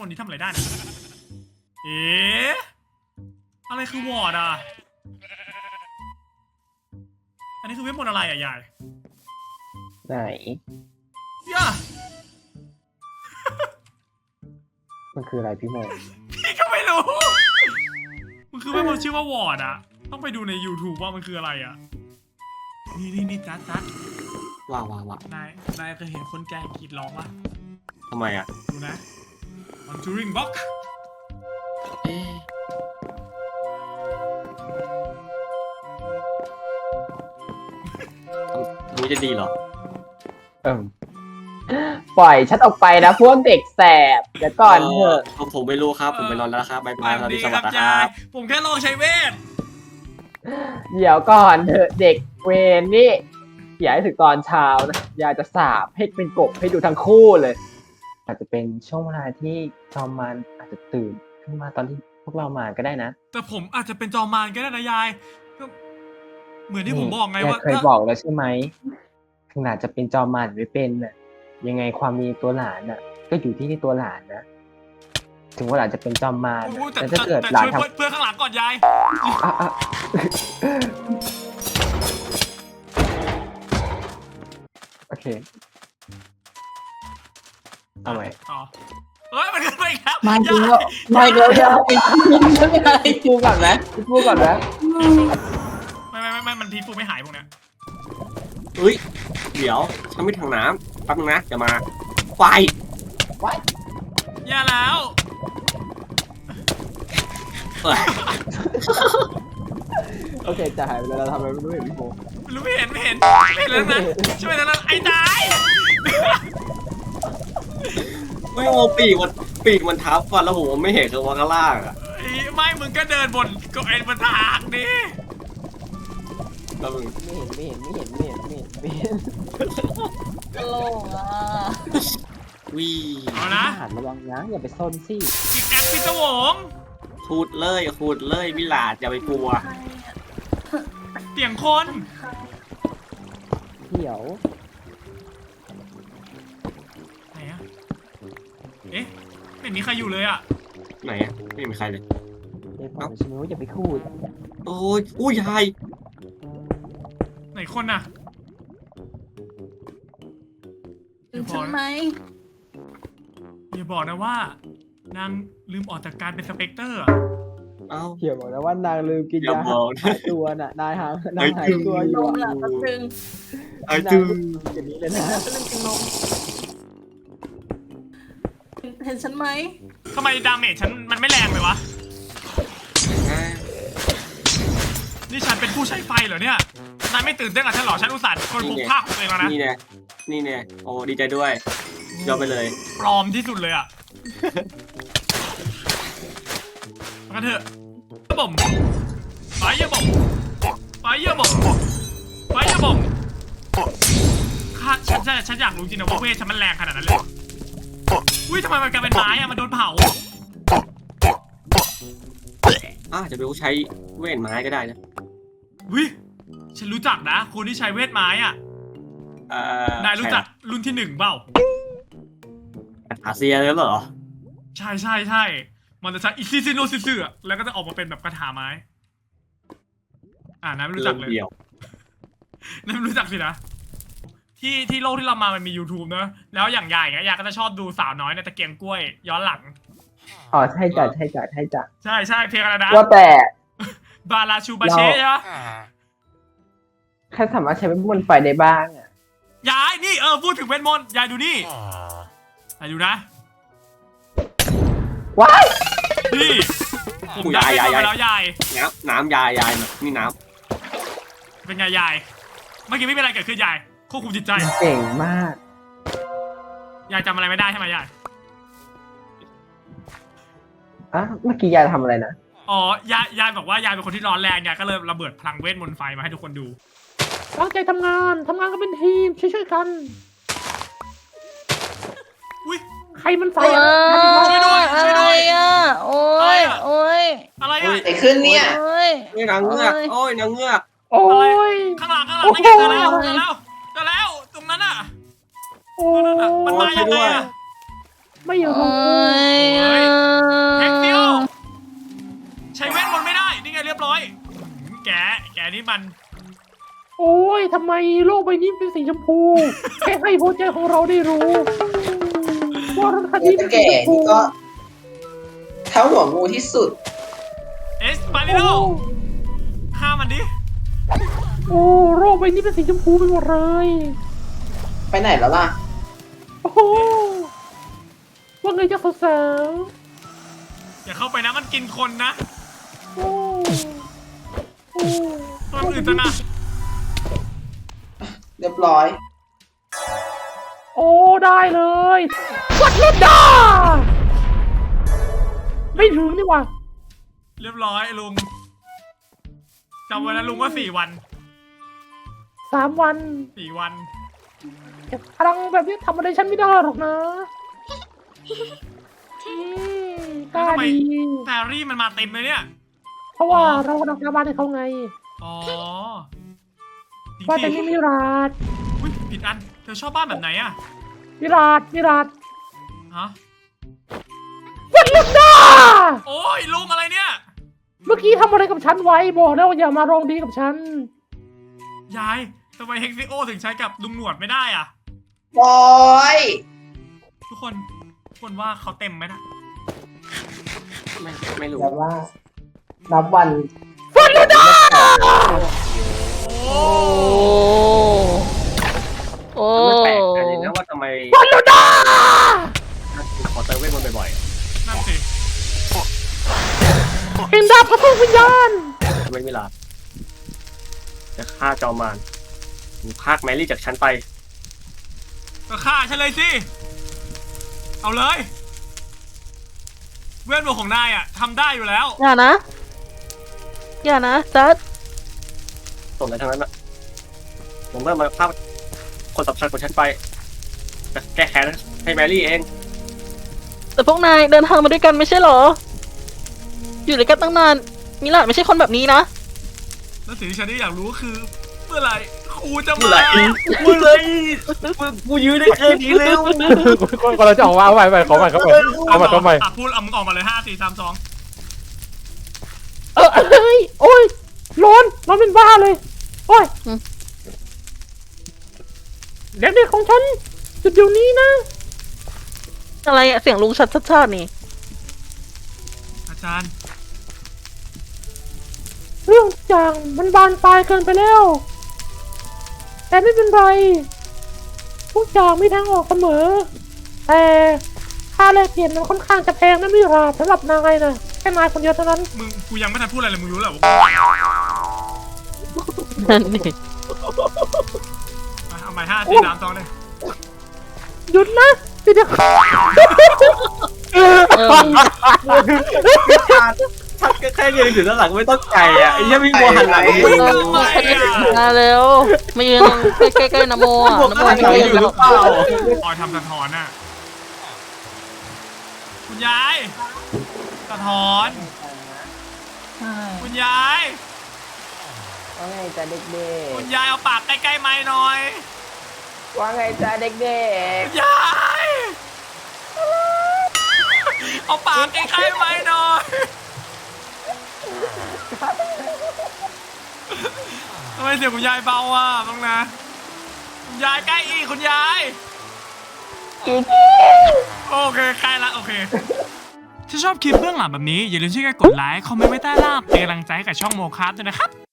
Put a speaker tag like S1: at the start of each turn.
S1: มนต์นี้ทำอะไรได้นะเอ๊ะอะไรคือวอร์ดอ่ะอันนี้คือเวทมนต์อะไรอ่ะยาย
S2: ไหน
S1: ย่า
S2: มันคืออะไรพี่โม
S1: พี่ก็ไม่รู้มันคือเวทมนต์ชื่อว่าวอร์ดอ่ะต้องไปดูใน YouTube ว่ามันคืออะไรอ่ะนี่จัด
S3: ว้า
S1: นายเคยเห็นคนแก่กรีดร้องป่ะ
S3: ทำไมอ่ะ
S1: ดูนะ Conjuring Box
S3: รู้จะดีเหรอ
S2: ปล่อยฉันออกไปนะพวกเด็กแสบเดี๋ยวก่อนเถอะ
S3: ผมไม่รู้ครับ ผมไปนอนแล้วครับบ๊ายบายสวัสดีสวัสดีค
S1: ยา
S3: รั
S1: ย
S3: บ
S1: ผมแค่ลองใช้เวท
S2: เดี๋ยวก่อนเถอะเด็กเวรนี่อย่าให้ถึงตอนเช้านะอยากจะสาบให้เป็นกบให้ดูทั้งคู่เลย อาจจะเป็นช่วงเวลาที่จอมมันอาจจะตื่นขึ้นมาตอนที่พวกเรามาก็ได้นะ
S1: แต่ผมอาจจะเป็นจอมมารก็ได้นะยายก็เหมือนที่ผมบอกไงว่า
S2: เคยบอกแล้วใช่ไหมขนาดจะเป็นจอมมันไม่เป็นน่ะยังไงความมีตัวหลานน่ะ ก็อยู่ที่ตัวหลานนะ ถึงว่าหลานจะเป็นจอมมาร
S1: โอ้ยแต่
S2: แต่ถ้าเกิดหลาน
S1: ช่วย
S2: ทำ
S1: เพื่อนข้างหลังก่อนยาย
S2: อ่ะโอเคเอาไหม
S1: อ๋อเฮ้ยมันขึ้นไปอีกแล้ว
S2: ไม่จริงแล้วไม่แล้วจะไปพูดก่อนไหมพูดก่อนไหม
S1: ไม่มันพีฟูไม่หายพวกเนี้ย
S3: เฮ้ย เดี๋ยว ฉันไม่ถังน้ำแป๊บนึงนะ จะมาไฟ
S1: อย่าแล้ว
S3: เอ้ย
S2: โอเคจะหายไปแล้วเราทำอะไรไม่รู้เห็นพี่โม
S1: ไม่เห็นเลยนะช่วยนะไอ้ตาย
S3: ไม่โมปีกมันทับฟันแล้วผมไม่เห็นคือว่าข้างล่างอ่ะ
S1: ไม่มึงก็เดินบนก็ไอ้บนทางดิ
S3: แล้วมึง
S2: ไม่เห็น
S4: ตลกอ่ะ
S3: วี
S1: เอานะ
S2: หันระวังนะอย่าไปซนสิ
S1: กิกแอคพิศวง
S3: ขูดเลยวิลาดอย่าไปกลัว
S1: เสียงคน
S2: เดี๋ยว
S1: ไหนอะเอ๊ะไม่มีใครอยู่เลยอะ
S3: ไหนอ่ะไม่มีใครเลย
S2: เดี๋ยวบอกฉันว่าอย่าไปคูด
S3: โอ้ยอุ้ยยาย
S1: ไหนคนอะ
S4: ถึงฉันไหม
S1: อย่าบอกนะว่านางลืมออกจากการเป็นสเปกเตอร์อะ
S3: เอ้า
S2: เขียวบอกนะว่านางลืมกิน
S3: อย่าย
S2: า
S3: บอกนะ
S2: หายตัวน่ะนายหายตัวอน ยู่
S4: มล่ะแป๊บนึง
S3: ไอ้จื้อ
S2: อย่างนี้เลยนะ
S4: แป๊บนึงกินนมเห็นฉันไหม
S1: ทำไมดาเมจฉันมันไม่แรงเลยวะนี่ฉันเป็นผู้ใช้ไฟเหรอเนี่ยนายไม่ตื่นเต้นกับฉันเหรอฉันอุตส่าห์คนพกผ้าของตัวเองแล้วนะ
S3: นี่แน่โอ้ดีใจด้วยยอมไปเลย
S1: ปลอมที่สุดเลยอะมากันเถอะบ่มไฟเยอะบ่มข้าฉันอยากรู้จริงนะว่าเวทฉันมันแรงขนาดนั้นเลยอุ้ยทำไมมันกลายเป็นไม้อะมันโดนเผา
S3: จะเป็นผู้ใช้เวทไม้ก็ได้นะ
S1: วิฉันรู้จักนะคนที่ใช้เวทไม้อะนายรู้จักรุ่นที่1เปล่า
S3: อาเซียเลยเหรอ
S1: ใช่มันจะใช้อิซิซิโนซิซึอะแล้วก็จะออกมาเป็นแบบกระถาไม้นายไม่รู้จักเลย
S3: เดียวน
S1: ายไม่รู้จักสินะที่โลกที่เรามามันมี YouTube เนอะแล้วอย่างยายอย่างเงี้ยยายก็จะชอบดูสาวน้อยในตะเกียงกล้วยย้อนหลัง
S2: อ๋อใช่จ้ะ
S1: ใช่เพลงอะไรนะ
S2: ว่าแต่
S1: บาลาชูบาเช่ใช่ปะ
S2: แค่สามารถใช้เป็นบนไฟได้บ้างอ่ะ
S1: ยายนี่พูดถึงเวทมนต์ยายดูนี่ยายดูนะ
S2: ว้าย
S1: นี่ผมได้เวทมนต์ไปแล้วยาย
S3: น้ำยายนี่น้
S1: เป็นไงยายเมื่อกี้ไม่เป็นอะไรเกิดขึ้นยายควบคุมจิตใจ
S2: เก่งมาก
S1: ยายจำอะไรไม่ได้ใช่ไหมยาย
S2: เมื่อกี้ยายทำอะไรนะ
S1: อ๋อยายบอกว่ายายเป็นคนที่ร้อนแรงยายก็เลยระเบิดพลังเวทมนต์ไฟมาให้ทุกคนดู
S2: ตั้งใจทำงานกันเป็นทีมช่วยกัน
S1: อุ้ย
S2: ใครมันไฟ
S1: ช่วยด้วย
S4: อะไรอ่ะโอ้ย
S1: อะไรอะ
S5: ไอ้ขึ้นเนี่ย
S4: โอ้ย
S3: ำนี่นางเงือกโอ้ยนางเงือก
S2: โอ้ย
S1: ข้างหลังนั่นไงเจอแล้วตรงนั้นอ่ะ
S2: โอ้
S1: มันมายังไงอะ
S2: ไม่อยู่ตรง
S4: โอ้ย
S1: เฮ้ยอันนี้มัน
S5: โอ้ยทำไมโลกใบนี้เป็นสีชมพู แค่ให้หัวใจของเราได้รู้ว่ารถคัน
S6: เดี๋ย
S5: นี้
S6: ว
S5: เป็น
S6: ตะ
S5: สี
S6: แก่
S5: ชมพู
S6: นี่ก็เท้าหัวงูที่สุด
S1: เอสปาริโลฆ่ามันดิ
S5: โอ้โลกใบนี้เป็นสีชมพูไปหมดเลย
S6: ไปไหนแล้วล่ะ
S5: โอ้โหว่าไงจ๊ะสาว
S1: อย่าเข้าไปนะมันกินคนนะ
S5: ๆโอ้โอ้
S1: ตัวอื่นจะนะ
S6: เรียบร้อย
S5: โอ้ได้เลยวัดเล่นดาไม่ถึงนี่หว่า
S1: เรียบร้อยลุงจำไว้นะลุงว่า4 วัน
S5: 3 วัน
S1: 4 วัน
S5: พลังแบบนี้ทำอะไรฉันไม่ได้หรอกนะกล้า
S1: ทำไม
S5: ดี
S1: แพรรี่มันมาเต็มเลยเนี่ย
S5: เพราะว่าเรากำลังทำบ้านให้เขาไง
S1: อ๋อจริง
S5: ว่าแต่
S1: สิ
S5: นี่มิราด
S1: อุ๊ยผิดอันเธอชอบบ้านแบบไหนอะ
S5: มิราดมิราด
S1: ฮะ
S5: วัดเล่นดา
S1: โอ้ยลุงอะไรเนี่ย
S5: เมื่อกี้ทำอะไรกับฉันไว้บอกแล้วอย่ามาลองดีกับฉัน
S1: ยายทำไมเฮกซิโอถึงใช้กับลุงหนวดไม่ได้อะ
S6: โอ้ย
S1: ทุกคนว่าเขาเต็มไหมนะ
S3: ไม่รู้
S6: แต่ว่า นับวัน
S5: วัดเล่นดา
S1: โอ้
S4: โอ้
S3: ไม่แปลกใจเลยนะว่าทำไม
S5: วัดเล่นดา
S3: ขอเติมเวทมนต์บ่อย
S1: นั่นสิ
S5: เห็นดาบพระพุทธวิญญาณ
S3: ๆทำไมเวลาจะฆ่าจอมมารมึงพากแมรี่จากฉันไป
S1: ก็ฆ่าฉันเลยสิเอาเลยเวทมนต์ของนายอะทำได้อยู่แล้ว
S4: อย่านะ อย่านะจัด
S3: ส่วนอะไรทั้งนั้นอะผมเมื่อมาพากคนสำคัญของฉันไปจะแก้แค้นให้แมรี่เอง
S4: แต่พวกนายเดินทางมาด้วยกันไม่ใช่เหรอ อยู่ด้วยกันตั้งนานมิลาดไม่ใช่คนแบบนี้นะ
S1: แล้วสิ่งที่ฉันอยากรู้ก็คือเมื่อไหร่ครูจะ
S3: เมื่อ
S1: มา
S3: ไหร่เมื่อไหร่กูยืนได้แค่นี้แล้ว
S2: ก็เราจะออกมาเอาใหม่ขอใหม่เอาใหม่
S1: พูดเอามึงออกมาเลย5 4 3 2
S5: เอ้ยโอ้ยร้อนเป็นบ้าเลย โอ้ย
S4: อืม
S5: เด็กๆของฉันจุดเดี๋ยวนี้นะ
S4: อะไรอะเสียงลุงชัดชาตินี่
S1: อาจารย์
S5: เรื่องทุกอย่างมันบานปลายเกินไปแล้ว แต่ไม่เป็นไร ทุกอย่างมีทางออกเสมอ แต่ค่าแลกเปลี่ยนมันค่อนข้างจะแพงนะมิราสำหรับนายนะแค่นายคนเดียวเท่านั้น
S1: กูยังไม่ทันพูดอะไรเลยมึงรู้แล้ว
S4: นั่นนี่
S1: เอาใหม่5 4 3 2เลย
S5: หยุดนะเดี๋ยว
S3: ทักแค่ยืนอยู่ด้านหลังไม่ต้องไก่อ่ะไอ้เหี้ยังมีโมหันหลัง
S1: วิ่งทำไมอะ
S4: มาเร็วมายืนใกล้ๆนะโมอ่ะนะโมไม่
S3: หันหลัง
S4: ยื
S3: อน ยู่ห
S4: แล้
S3: รื
S4: ว
S3: อเปล่า
S1: ออยทำสะท้อนน่ะคุณยายสะท้อนคุณยาย
S2: ว่าไงจ้าเด็ก
S1: คุณยายเอาปากใกล้ๆไม้หน่อย
S2: ๆว่าไงจ้าเด็ก
S1: คุณยายเอาปากใกล้ๆไม้หน่อยทำไมเสียงคุณยายเบาอ่ะบ้างนะคุณยายใกล้อีกคุณยายโอเคใกล้ละโอเคถ้าชอบคลิปเบื้องหลังแบบนี้อย่าลืมช่วยกันกดไลค์คอมเมนต์ไว้ใต้ล่างเป็นกำลังใจให้กับช่องโมคาร์ด้วยนะครับ